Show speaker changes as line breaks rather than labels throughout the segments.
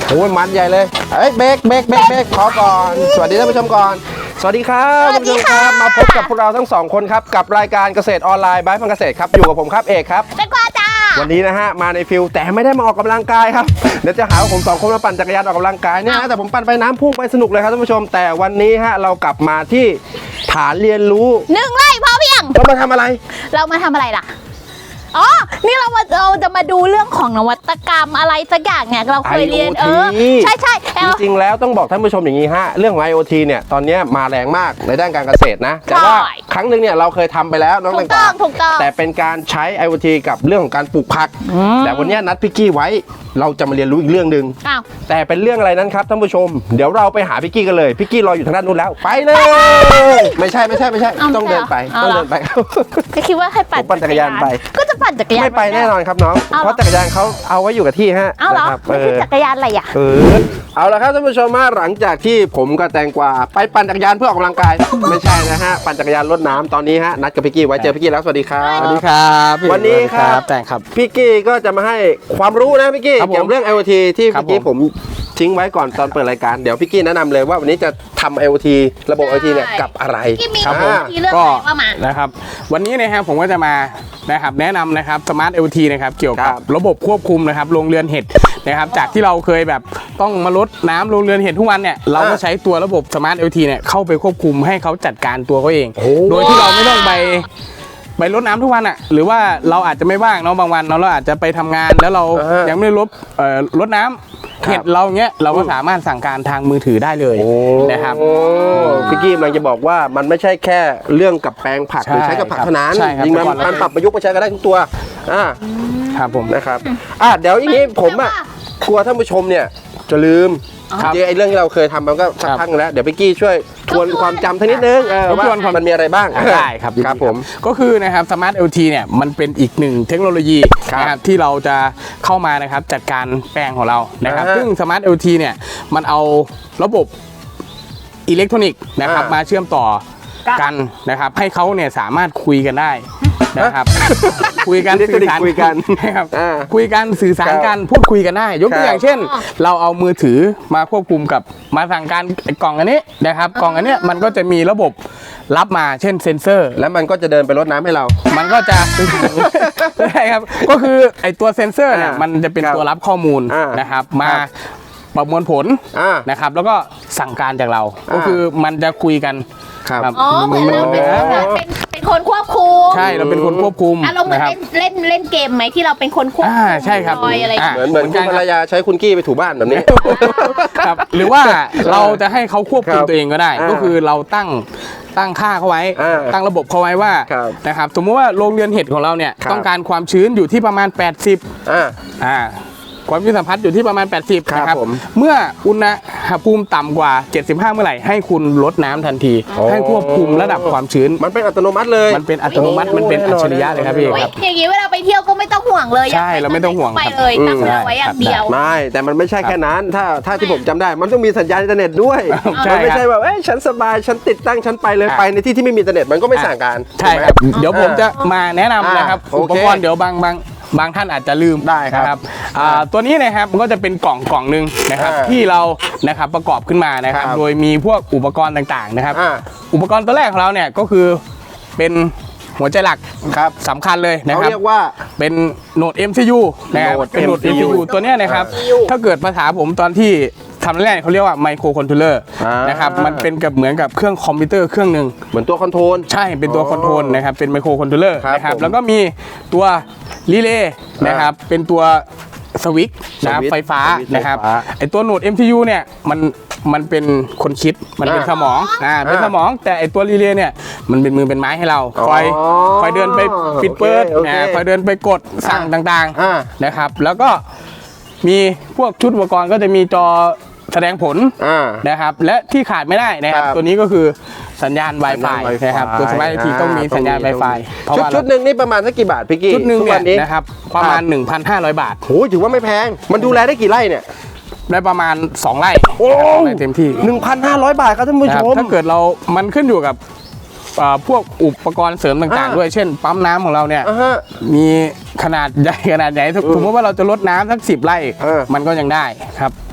โอ้ยมันใหญ่เลยเบรกขอก่อนสวัสดีท่านผู้ชมก่อนสวัสดีครับท่านผู้ชมครับมาพบกับพวกเราทั้ง2คนครับกับรายการเกษตรออนไลน์บายพันเกษตรครับอยู่กับผมครับเอกครับ
เป็นกว่าจ้า
วันนี้นะฮะมาในฟิลแต่ไม่ได้มาออกกำลังกายครับเดี๋ยวจะหาว่าผม2คนมาปั่นจักรยานออกกำลังกายเนี่ยนะแต่ผมปั่นไปน้ำพุ่งไปสนุกเลยครับท่านผู้ชมแต่วันนี้ฮะเรากลับมาที่ฐานเรียนรู้
1 ไร่พอเพียง
เรามาทำอะไร
ล่ะอ๋อนี่เราจะมาดูเรื่องของนวัตกรรมอะไรสักอย่างเนี่ยเราเคยเรียนใช่
จริงๆแล้วต้องบอกท่านผู้ชมอย่างนี้ฮะเรื่องของ IoT เนี่ยตอนนี้มาแรงมากในด้านการเกษตรนะแต่ว่าครั้งหนึ่งเนี่ยเราเคยทำไปแล้วน้องต่างๆแต่เป็นการใช้ IoT กับเรื่องของการปลูกผักแต่วันนี้นัดพี่กี้ไว้เราจะมาเรียนรู้อีกเรื่องหนึ่งแต่เป็นเรื่องอะไรนั้นครับท่านผู้ชมเดี๋ยวเราไปหาพี่กี้กันเลยพี่กี้รออยู่ทางด้านนู้นแล้วไปเลยไม่ใช่ต้องเดินไป
ก็คิดว่าให้ปั่น
จักรยานไป
ก็จะปั่นจักรยาน
ไม่ไปแน่นอนครับน้องเพราะจักรยานเขาเอาไว้อยู่กับที่ฮะ
เอาเหรอไม่ใช่จักรยานอะไรอ่ะ
เอาละครับท่านผู้ชมมาหลังจากที่ผมกับแตงกวาไปปั่นจักรยานเพื่อออกกำลังกายไม่ใช่นะฮะปั่นจักรยานรดน้ำตอนนี้ฮะนัดกับพี่กี้ไว้เจอพี่กี้แล้วสวัสดีครับ
สวัสดีครับ
วันนี้ครับ
แต่งครับ
พี่กี้ก็จะมาให้ความรู้นะพี่กี้เกี่ยวกับเรื่อง IoT ที่เมื่อกี้ผมทิ้งไว้ก่อนตอนเปิดรายการเดี๋ยวพี่กี้แนะนำเลยว่าวันนี้จะทำ IoT ระบบ IoT เนี่ยกับอะไร
ครับผมก็
นะครับวันนี้นะครับผมก็จะมานะครับแนะนำนะครับ Smart IoT นะครับเกี่ยวกับระบบควบคุมนะครับโรงเรือนเห็ดนะครับจากที่เราเคยแบบต้องมารดน้ำโรงเรือนเห็ดทุกวันเนี่ยเราก็ใช้ตัวระบบ Smart IoT เนี่ยเข้าไปควบคุมให้เขาจัดการตัวเขาเองโดยที่เราไม่ต้องไปรดน้ำทุกวันอ่ะหรือว่าเราอาจจะไม่ว่างเนาะบางวันเราอาจจะไปทำงานแล้วเรายังไม่ได้รดน้ำเห็ดเราเงี้ยเราก็สามารถสั่งการทางมือถือได้เลยนะครับ
พี่กี้กำลังจะบอกว่ามันไม่ใช่แค่เรื่องกับแปลงผักหรือใช้กับผักเท่านั้นจริงมันปรับประยุกต์ไปใช้กันได้ทุกตัว
ครับผม
นะครับเดี๋ยวอย่างนี้ผมกลัวท่านผู้ชมเนี่ยจะลืมจริงไอ้เรื่องที่เราเคยทำมันก็สักพักแล้วเดี๋ยวพี่กี้ช่วยทวนความจำทั้งนิดนึงว่ามันมีอะไรบ้าง
ได้ครับผมก็คือนะครับ Smart IoT เนี่ยมันเป็นอีกหนึ่งเทคโนโลยีนะครับที่เราจะเข้ามานะครับจัดการแปลงของเรานะครับซึ่ง Smart IoT เนี่ยมันเอาระบบอิเล็กทรอนิกส์นะครับมาเชื่อมต่อกันนะครับให้เขาเนี่ยสามารถคุยกันได้นะครับคุยกันสื่อสารกันนะครับคุยกันสื่อสารกันพูดคุยกันได้ยกตัวอย่างเช่นเราเอามือถือมาควบคุมกับมาสั่งการกล่องอันนี้นะครับกล่องอันนี้มันก็จะมีระบบรับมาเช่นเซ็นเซอร์
แล้วมันก็จะเดินไปรดน้ำให้เรา
มันก็จะใช่ครับก็คือไอตัวเซ็นเซอร์เนี่ยมันจะเป็นตัวรับข้อมูลนะครับมาประมวลผลนะครับแล้วก็สั่งการจากเราก็คือมันจะคุยกัน
ครับเป็นคนควบคุม
ใช่เราเป็นคนควบคุม
เราเหมือนเล่นเกมไหมที่เราเป็นคนควบคุม
ใช่ครับ
เหมือนคุณภรรยาใช้คุณกี้ไปถูบ้านแบบนี้
ครับหรือว่าเราจะให้เขาควบคุมตัวเองก็ได้ก็คือเราตั้งค่าเขาไว้ตั้งระบบเขาไว้ว่านะครับสมมติว่าโรงเรือนเห็ดของเราเนี่ยต้องการความชื้นอยู่ที่ประมาณ80ความชื้นสัมผัสอยู่ที่ประมาณ80นะครับเมื่ออุณหภูมิต่ำกว่า75เมื่อไหร่ให้คุณลดน้ำทันทีให้ควบคุมระดับความชื้น
มันเป็นอัตโนมัติเลย
มันเป็นอัตโนมัติมันเป็นอัจฉริยะเลยครับพี่ครับ
อย่างนี้เวลาไปเที่ยวก็ไม่ต้องห่วงเลย
ใช่เราไม่ต้องห่วง
ไปเลยตั้งไว้อย่างเดียว
ไม่แต่มันไม่ใช่แค่นั้นถ้าที่ผมจำได้มันต้องมีสัญญาณอินเทอร์เน็ตด้วยมันไม่ใช่ว่าฉันสบายฉันติดตั้งฉันไปเลยไปในที่ที่ไม่มีอินเทอร์เน็ตมันก็ไม่สั่งการ
ใช่ครับเดี๋ยวผมจะมาแนะนำนะครับอุปกรณ์เดี๋ยวบางท่านอาจจะลืม
ได้ครับ
ตัวนี้นะครับมันก็จะเป็นกล่องหนึ่งนะครับที่เรานะครับประกอบขึ้นมานะครับโดยมีพวกอุปกรณ์ต่างๆนะครับอุปกรณ์ตัวแรกของเราเนี่ยก็คือเป็นหัวใจหลักสำคัญเลยนะครับ
เขาเรียกว่า
เป็นโหนด MCU นะครับเป็นโหนด MCU ตัวนี้นะครับถ้าเกิดภาษาผมตอนที่ทำแรกเขาเรียกว่าไมโครคอนโทรลเลอร์นะครับมันเป็นกับเหมือนกับเครื่องคอมพิวเตอร์เครื่องหนึ่ง
เหมือนตัวคอนโทรล
ใช่เป็นตัวคอนโทรลนะครับเป็นไมโครคอนโทรลเลอร์นะครับแล้วก็มีตัวรีเลย์นะครับเป็นตัวสวิตช์นะไฟฟ้านะครับไอตัวโหนด MCU เนี่ยมันเป็นคนคิดมันเป็นสมองเป็นสมองแต่ไอตัวรีเลย์เนี่ยมันเป็นมือเป็นไม้ให้เราคอยเดินไปปิดเปิดคอยเดินไปกดสั่งต่างๆนะครับแล้วก็มีพวกชุดอุปกรณ์ก็จะมีจอแสดงผลนะครับและที่ขาดไม่ได้นะครับตัวนี้ก็คือสัญญาณ Wi-Fi นะครับตัวสมาร์ททีต้องมีสัญญาณ Wi-Fi
ชุดหนึ่งนี่ประมาณสักกี่บาทพี่กี้
ชุดหนึ่งเนี่ยนะครับประมาณ 1,500 บาท
โอ้ถือว่าไม่แพงมันดูแลได้กี่ไร่เนี่ย
ได้ประมาณ2 ไร่เต็มที่
1,500 บาทครับท่านผู้ชม
ถ้าเกิดมันขึ้นอยู่กับพวกอุปกรณ์เสริมต่างๆด้วยเช่นปั๊มน้ำของเราเนี่ยมีขนาดใหญ่สมมติว่าเราจะลดน้ำสัก10 ไร่มันก็ยังได้ครับ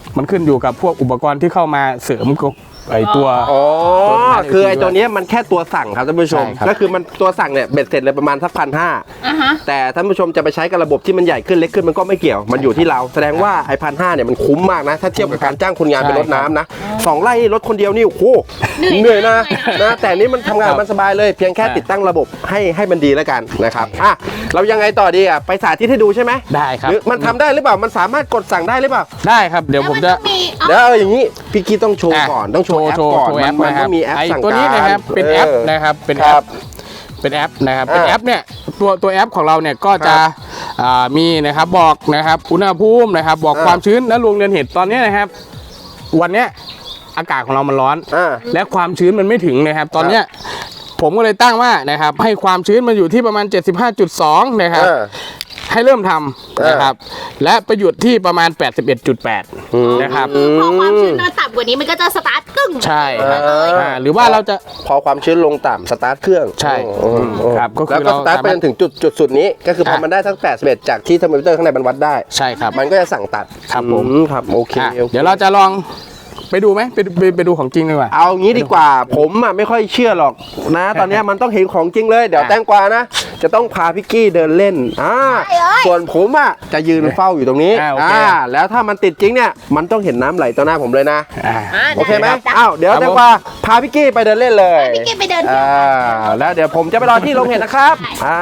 มันขึ้นอยู่กับพวกอุปกรณ์ที่เข้ามาเสริมกับไอตัว
อ๋อคือไอ้ตัวเนี้ยมันแค่ตัวสั่งครับท่านผู้ชม
ใช่ครับ
ก็คือมันตัวสั่งเนี่ยเบ็ดเสร็จเลยประมาณสัก1,500
อ่ะฮะ
แต่ท่านผู้ชมจะไปใช้กับระบบที่มันใหญ่ขึ้นเล็กขึ้นมันก็ไม่เกี่ยวมันอยู่ที่เราแสดงว่าไอ้1,500เนี่ยมันคุ้มมากนะถ้าเทียบกับการจ้างคนงานไปรดน้ำนะ2 ไร่รถคนเดียวนี่โอ้โหเหนื่อยนะแต่นี้มันทำงานมันสบายเลยเพียงแค่ติดตั้งระบบให้มันดีแล้วกันนะครับอ่ะเรายังไงต่อดีอ่ะไปสาธิตให้ดูใช่ไหม
ได้ครับ
หรือมันทำได้หรือเปล่ามันสามารถกดสั่งได้หรือเปล่า
ได้ครับเดี๋ยวผมจะ
เดี๋ยวอย่างนี้พี่กี้ต้องโชว์ก่อนต้องโชว์แอปก่อน
โชว์แอป
มัน
นะค
ต้
รั
อบ งมีแอป
ไอ้
สั่ง
ตัวนี้
การ
นะครับเป็นแอปนะครับเป็นแอ
ครั
ป
บ
เป็นแอปนะครับ
อ่า
เป็นแอปเนี่ยตัวแอปของเราเนี่ยก็จะมีนะครับบอกนะครับอุณหภูมินะครับบอกความชื้นและรวงเดือนเห็ดตอนนี้นะครับวันเนี้ยอากาศของเรามันร้อน และความชื้นมันไม่ถึงนะครับตอนเนี้ยผมก็เลยตั้งว่านะครับให้ความชื้นมันอยู่ที่ประมาณ 75.2 นะครับให้เริ่มทำนะครับและประหยุดที่ประมาณ 81.8 นะครับ
พอความชื้นมันต่ำกว่านี้มันก็จะสตาร์ทกึ่ง
ใช่ครับหรือว่าเราจะ
พอความชื้นลงต่ำสตาร์ทเครื่อง
ใช่ครับก็คือ
แล้วก็สตาร์ทไปจนถึงจุดสุดนี้ก็คือพอมันได้ทั้ง81จากที่เทอร์โมมิเตอร์ข้างในมันวัดได้
ใช่ครับ
มันก็จะสั่งตัด
ครับผม
ครับโอเค
เดี๋ยวเราจะลองไปดูไหมไปดูของจริงดีกว่า
เอางี้ดีกว่าผมอ่ะไม่ค่อยเชื่อหรอกนะ ตอนเนี้ยมันต้องเห็นของจริงเลยเดี๋ยวแตงกวานะ จะต้องพาพี่กี้เดินเล่นส่วนผมอ่ะจะยืนเฝ้าอยู่ตรงนี้แล้วถ้ามันติดจริงเนี่ยมันต้องเห็นน้ำไหลต่อหน้าผมเลยนะโอเคไหมอ้าวเดี๋ยวแตงกวาพาพี่กี้ไปเดินเล่นเลย
พี่กี้ไปเดิน
แล้วเดี๋ยวผมจะไปรอที่โรงเห็ดนะครับ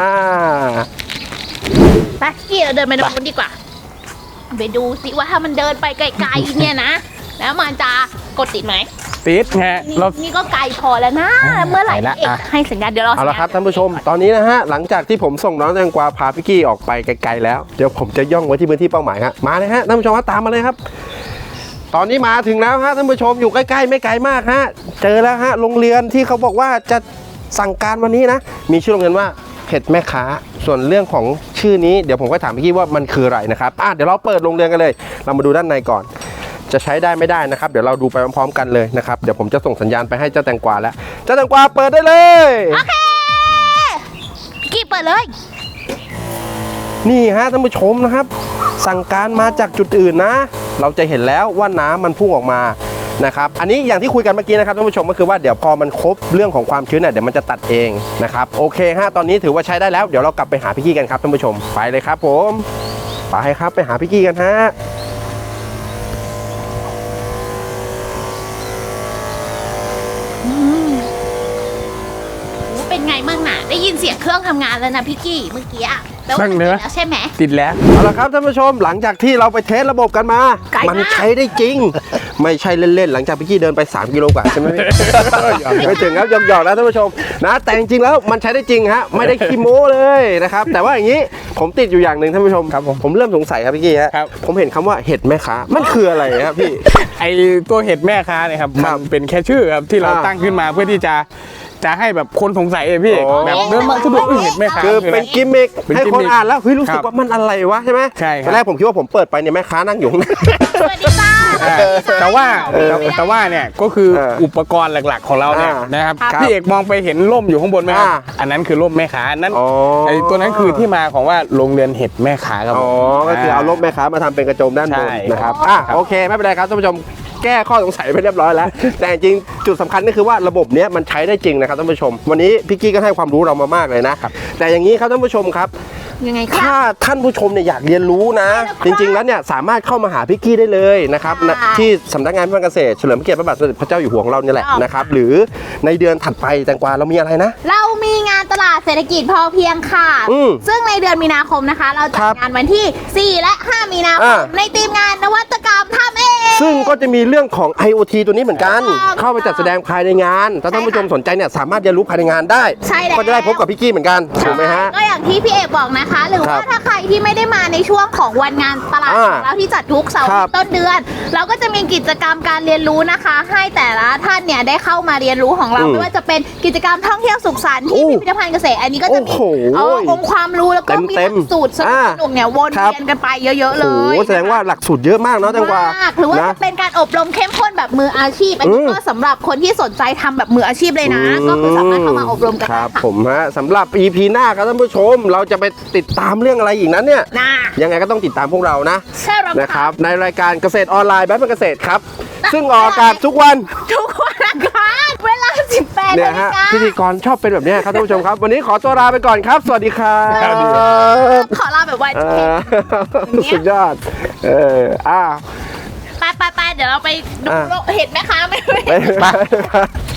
ไปพี่เราเดินไปตรงนู้นดีกว่าไปดูสิว่าถ้ามันเดินไปไกลๆเนี่ยนะแล้วมันจะกดติดไหม
ติดไงเรา
นี่ก็ไกลพอแล้วนะเมื่อไหร่
ไปละ
เอกให้สัญญาณเดี๋ยวเรา
เอาละครับท่านผู้ชมตอนนี้นะฮะหลังจากที่ผมส่งน้องแตงกวาพาพี่กี้ออกไปไกลๆแล้วเดี๋ยวผมจะย่องไว้ที่พื้นที่เป้าหมายครับมาเลยฮะท่านผู้ชมครับตามมาเลยครับ ตอนนี้มาถึงแล้วฮะท่านผู้ชมอยู่ใกล้ๆไม่ไกลมากฮะเจอแล้วฮะโรงเรียนที่เขาบอกว่าจะสั่งการวันนี้นะมีชื่อโรงเรียนว่าเห็ดแม่ค้าส่วนเรื่องของชื่อนี้เดี๋ยวผมก็ถามพี่กี้ว่ามันคืออะไรนะครับเดี๋ยวเราเปิดโรงเรียนกันเลยเรามาดูด้านในก่อนจะใช้ได้ไม่ได้นะครับเดี๋ยวเราดูไปพร้อมๆกันเลยนะครับเดี๋ยวผมจะส่งสัญญาณไปให้เจ้าแตงกวาแล้วเจ้าแตงกวาเปิดได้เลย
โอเคพี่กี้เปิดเลย
นี่ฮะท่านผู้ชมนะครับสั่งการมาจากจุดอื่นนะเราจะเห็นแล้วว่าน้ำมันพุ่งออกมานะครับอันนี้อย่างที่คุยกันเมื่อกี้นะครับท่านผู้ชมก็คือว่าเดี๋ยวพอมันครบเรื่องของความชื้นเนี่ยเดี๋ยวมันจะตัดเองนะครับโอเคฮะตอนนี้ถือว่าใช้ได้แล้วเดี๋ยวเรากลับไปหาพี่กี้กันครับท่านผู้ชมไปเลยครับผมไปครับไปหาพี่กี้กันฮะ
เป็นไงมั่งน่ะได้ยินเสียงเครื่องทำงานแล้วนะพี่กี้เมื่อกี้อะแล้ว
บ้างเนอะ
แล้วใช่ไหม
ติดแล้ว
เอาละครับท่านผู้ชมหลังจากที่เราไปเทสระบบกันมา
ไกลมาก
มันใช้ได้จริง ไม่ใช่เล่นๆหลังจากพี่กี้เดินไป3 กิโลกว่าใช่ไหมพี่ ไม่ถึงครับหยอกๆนะท่านผู้ชมนะแต่จริงๆแล้วมันใช้ได้จริงฮะไม่ได้ขี้โม้เลยนะครับแต่ว่าอย่างนี้ผมติดอยู่อย่างหนึ่งท่านผู้ชม
ครับผม
เริ่มสงสัยครับพี่กี้ฮะ
ครับ
ผมเห็นคำว่าเห็ดแม่ค้ามันคืออะไรครับพี่
ไอตัวเห็ดแม่ค้าเนี่ยครับ
ครั
มั
บ
นเป็นแค่ชื่อครับที่เรา
อ่า
ตั้งขึ้นมาเพื่อที่จะให้แบบคนสงสัยพี่
อ๋อ
แบบเดินมาสะดุดเห็ดแม่ค้า
คือเป็น
ะไร
กิมมิค
เป็น
ให้
กิม
คน
มิค
อ่านแล้วเฮ้ยรู้สึก
ครับ
ว่ามันอะไรวะใช่ไหม
ใช่ครับ
ตอนแรกผมคิดว่าผมเปิดไปเนี่ยแม่ค้านั่งอยู่ข้างใน
สวัสดีจ้า
แต่ว่าเนี่ยก็คืออุปกรณ์หลักๆของเราเนี่ย
อ่าน
นะครับ
ครับ
พี่เอกมองไปเห็นร่มอยู่ข้างบนไหมครับ อันนั้นคือร่มแม่ค้าอันนั้น
อ๋อ
ไอตัวนั้นคือที่มาของว่าโรงเรือนเห็ดแม่ค้าครับ
อ๋อ ก็คือเอาลบแม่ค้ามาทำเป็นกระโจมด้านบน
ใช่
นะครับ
ครับ
โอเค ไม่เป็นไรครับท่านผู้ชม แก้ข้อสงสัยไปเรียบร้อยแล้ว แต่จริงจุดสำคัญก็คือว่าระบบเนี้ยมันใช้ได้จริงนะครับท่านผู้ชม วันนี้พี่กี้ก็ให้ความรู้เรามามากเลยนะ แต่อย่างนี้ครับท่านผู้ชมครับ
ยังไงคะ
ถ้าท่านผู้ชมเนี่ยอยากเรียนรู้นะ จริงๆแล้วเนี่ยสามารถเข้ามาหาพี่กี้ได้เลยนะครับ
ค่ะ
ที่สำนักงานการเกษตรเฉลิมพระเกียรติพระบาทสมเด็จพระเจ้าอยู่หัวของเราเนี่ยแหละ
ค่ะ
นะครับหรือในเดือนถัดไปแตงกวาเรามีอะไรนะ
เรามีงานตลาดเศรษฐกิจพอเพียงค่ะ ซึ่งในเดือนมีนาคมนะคะ เราจั
ครั
ด
บ
งานวันที่ 4 และ 5 มีนาคมในทีมงานนวัตกรรมทำเอง
ซึ่งก็จะมีเรื่องของ IoT ตัวนี้เหมือนกัน
ถูกต้อง
เข้าไปจัดแสดงภายในงานถ้าท่านผู้ชมสนใจเนี่ยสามารถเรียนรู้ภายในงานได้
ใช่แล้ว
ก็จะได้พบกับพี่กี้เหมือนกันถูกไหมฮะ
ก็อย่างที่พี่เอกบอกนะคะ หรือ
ครั
ว่า
บ
ถ้าใครที่ไม่ได้มาในช่วงของวันงานตลาดของเราที่จัดทุกเสาร์
ครับ
ต้นเดือน เราก็จะมีกิจกรรมการเรียนรู้นะคะ ให้แต่ละท่านเนี่ยได้เข้ามาเรียนรู้ของเรา ไม่ว่าจะเป็นกิจกรรมท่องเที่ยวสุขสันต์ที่พิพิธภัณฑ์เกษตรอันนี้ก็จะมี
โอ้โห
องค์ความรู้แล้วก็มีห
เต็
ลั
ม
กสูตรสนุกๆเนี่ยวน
ครับ
เวียนกันไปเยอะๆเล
โอ้
ย
โหแสดงว่าหลักสูตรเยอะมากเนาะแตงกวาม
ากหรือว่า
นะ
จะเป็นการอบรมเข้มข้นแบบมืออาชีพอันนี้ก็สำหรับคนที่สนใจทำแบบมืออาชีพเลยนะ ก็คือสามารถเข้ามาอบรมกัน
ค
ได้
รับ
ค่ะ
ผมฮะสำหรับ EP หน้าครับท่านผู้ชม เราจะไปติดตามเรื่องอะไรอีกนั้นเนี่ย
น่า
ยังไงก็ต้องติดตามพวกเรานะ
ใช่แล้ว
นะครับในรายการเกษตรออนไลน์แบบเกษตรครับ ซึ่งออกอากาศทุกวัน
ทุกวันอังคารเวลา 18
เนี่ย
นาฬิ
ฮะ
กา
พิธีกรชอบเป็นแบบเนี้ยครับท่านผู้ชมครับ วันนี้ขอตัวลาไปก่อนครับ สวัสดีครับ
ขอลาแบบไว
เอ
เท
อสุดยอด
ไปเดี๋ยวเราไปดูเห็นไหมคะไม่
ไป